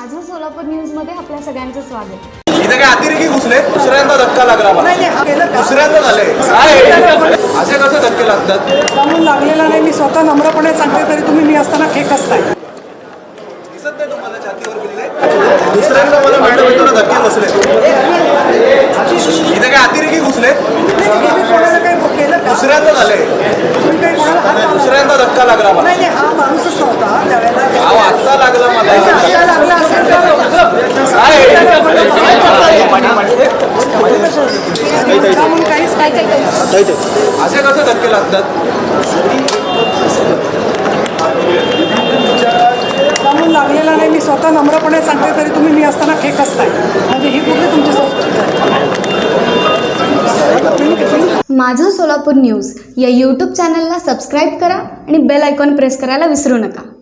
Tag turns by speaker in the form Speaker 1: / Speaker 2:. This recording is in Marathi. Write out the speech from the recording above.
Speaker 1: माझं सोलापूर न्यूजमध्ये आपल्या सगळ्यांचं स्वागत.
Speaker 2: इथे काय अतिरेकी घुसले, दुसऱ्यांदा धक्का लागला मला. दुसऱ्यांदा झाले. असे कसे धक्के लागतात?
Speaker 3: म्हणून लागलेला नाही. मी स्वतः नम्रपणे सांगते, तरी तुम्ही मी असताना खेकसताय.
Speaker 2: दिसत नाही तुम्हाला छातीवर बिल्ले? दुसऱ्यांदा मला मॅडम येताना धक्के बसले. इथे काय अतिरेकी घुसले,
Speaker 3: कोणाला काही केलं का?
Speaker 2: दुसऱ्यांदा झाले.
Speaker 3: तुम्ही काही कोणाला हात लावला?
Speaker 2: दुसऱ्यांदा धक्का लागला मला.
Speaker 3: नाही, हा माणूसच नव्हता त्यावेळेला.
Speaker 2: अहो आत्ता लागला मला.
Speaker 3: आता लागला असेल म्हणून काहीच नाही.
Speaker 2: असे कसे धक्के लागतात?
Speaker 3: म्हणून लागलेला नाही. मी स्वतः नम्रपणे सांगते, तरी तुम्ही मी असताना खेकसताय. म्हणजे ही कुठली तुमची संस्कृती आहे?
Speaker 1: माझं सोलापूर न्यूज या यूट्यूब चॅनलला सबस्क्राईब करा आणि बेल आयकॉन प्रेस करायला विसरू नका.